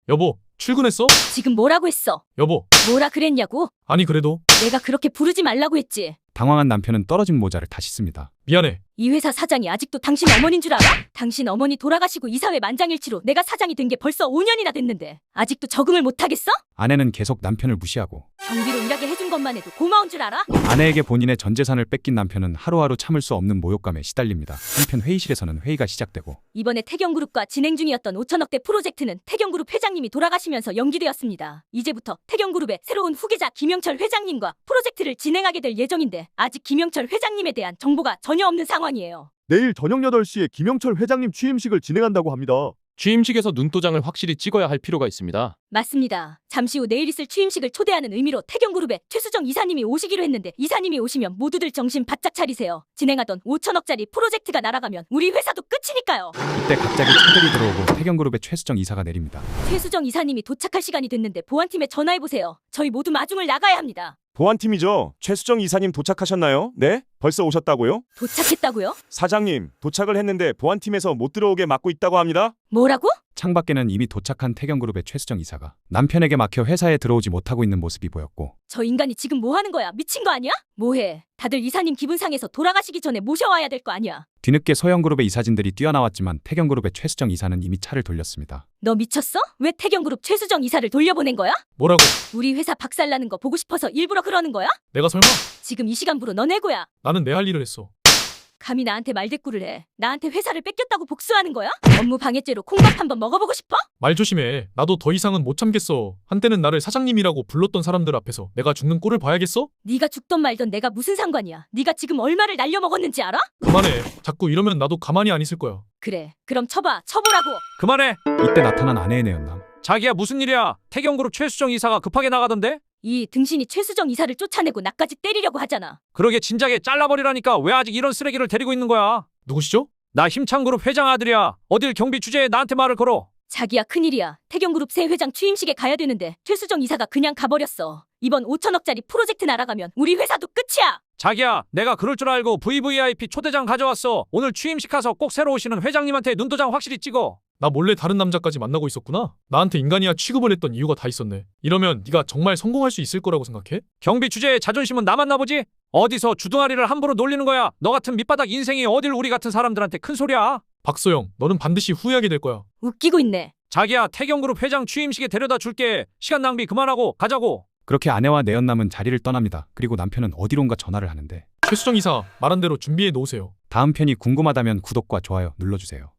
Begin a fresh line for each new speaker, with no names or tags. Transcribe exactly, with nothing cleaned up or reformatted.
여보, 출근했어?
지금 뭐라고 했어?
여보,
뭐라 그랬냐고?
아니 그래도
내가 그렇게 부르지 말라고 했지.
당황한 남편은 떨어진 모자를 다시 씁니다.
미안해.
이 회사 사장이 아직도 당신 어머니인 줄 알아? 당신 어머니 돌아가시고 이사회 만장일치로 내가 사장이 된 게 벌써 오 년이나 됐는데 아직도 적응을 못하겠어?
아내는 계속 남편을 무시하고
경비로 일하게 해준 것만 해도 고마운 줄 알아?
아내에게 본인의 전 재산을 뺏긴 남편은 하루하루 참을 수 없는 모욕감에 시달립니다. 한편 회의실에서는 회의가 시작되고
이번에 태경그룹과 진행 중이었던 오천억대 프로젝트는 태경그룹 회장님이 돌아가시면서 연기되었습니다. 이제부터 태경그룹의 새로운 후계자 김영철 회장님과 프로젝트를 진행하게 될 예정인데 아직 김영철 회장님에 대한 정보가 전혀 없는 상황이에요.
내일 저녁 여덟 시에 김영철 회장님 취임식을 진행한다고 합니다.
취임식에서 눈도장을 확실히 찍어야 할 필요가 있습니다.
맞습니다. 잠시 후 내일 있을 취임식을 초대하는 의미로 태경그룹의 최수정 이사님이 오시기로 했는데 이사님이 오시면 모두들 정신 바짝 차리세요. 진행하던 오천억짜리 프로젝트가 날아가면 우리 회사도 끝이니까요.
이때 갑자기 차들이 들어오고 태경그룹의 최수정 이사가 내립니다.
최수정 이사님이 도착할 시간이 됐는데 보안팀에 전화해보세요. 저희 모두 마중을 나가야 합니다.
보안팀이죠. 최수정 이사님 도착하셨나요? 네? 벌써 오셨다고요?
도착했다고요?
사장님, 도착을 했는데 보안팀에서 못 들어오게 막고 있다고 합니다.
뭐라고?
창밖에는 이미 도착한 태경그룹의 최수정 이사가 남편에게 막혀 회사에 들어오지 못하고 있는 모습이 보였고
저 인간이 지금 뭐 하는 거야? 미친 거 아니야? 뭐해? 다들 이사님 기분 상해서 돌아가시기 전에 모셔와야 될 거 아니야?
뒤늦게 소형그룹의 이사진들이 뛰어나왔지만 태경그룹의 최수정 이사는 이미 차를 돌렸습니다.
너 미쳤어? 왜 태경그룹 최수정 이사를 돌려보낸 거야?
뭐라고?
우리 회사 박살나는 거 보고 싶어서 일부러 그러는 거야?
내가 설마?
지금 이 시간부로 너 내고야.
나는 내 할 일을 했어.
감히 나한테 말대꾸를 해. 나한테 회사를 뺏겼다고 복수하는 거야? 업무 방해죄로 콩밥 한번 먹어보고 싶어?
말 조심해. 나도 더 이상은 못 참겠어. 한때는 나를 사장님이라고 불렀던 사람들 앞에서 내가 죽는 꼴을 봐야겠어?
네가 죽던 말던 내가 무슨 상관이야. 네가 지금 얼마를 날려먹었는지 알아?
그만해. 자꾸 이러면 나도 가만히 안 있을 거야.
그래. 그럼 쳐봐. 쳐보라고.
그만해.
이때 나타난 아내의 내연남.
자기야 무슨 일이야? 태경그룹 최수정 이사가 급하게 나가던데?
이 등신이 최수정 이사를 쫓아내고 나까지 때리려고 하잖아.
그러게 진작에 잘라버리라니까 왜 아직 이런 쓰레기를 데리고 있는 거야?
누구시죠?
나 힘창그룹 회장 아들이야. 어딜 경비 주제에 나한테 말을 걸어.
자기야 큰일이야. 태경그룹 새 회장 취임식에 가야 되는데 최수정 이사가 그냥 가버렸어. 이번 오천억짜리 프로젝트 날아가면 우리 회사도 끝이야.
자기야 내가 그럴 줄 알고 브이브이아이피 초대장 가져왔어. 오늘 취임식 가서 꼭 새로 오시는 회장님한테 눈도장 확실히 찍어.
나 몰래 다른 남자까지 만나고 있었구나. 나한테 인간이야 취급을 했던 이유가 다 있었네. 이러면 네가 정말 성공할 수 있을 거라고 생각해?
경비 주제에 자존심은 남았나 보지? 어디서 주둥아리를 함부로 놀리는 거야? 너 같은 밑바닥 인생이 어딜 우리 같은 사람들한테 큰 소리야?
박소영, 너는 반드시 후회하게 될 거야.
웃기고 있네.
자기야 태경그룹 회장 취임식에 데려다 줄게. 시간 낭비 그만하고 가자고.
그렇게 아내와 내연남은 자리를 떠납니다. 그리고 남편은 어디론가 전화를 하는데
최수정 이사, 말한 대로 준비해 놓으세요.
다음 편이 궁금하다면 구독과 좋아요 눌러주세요.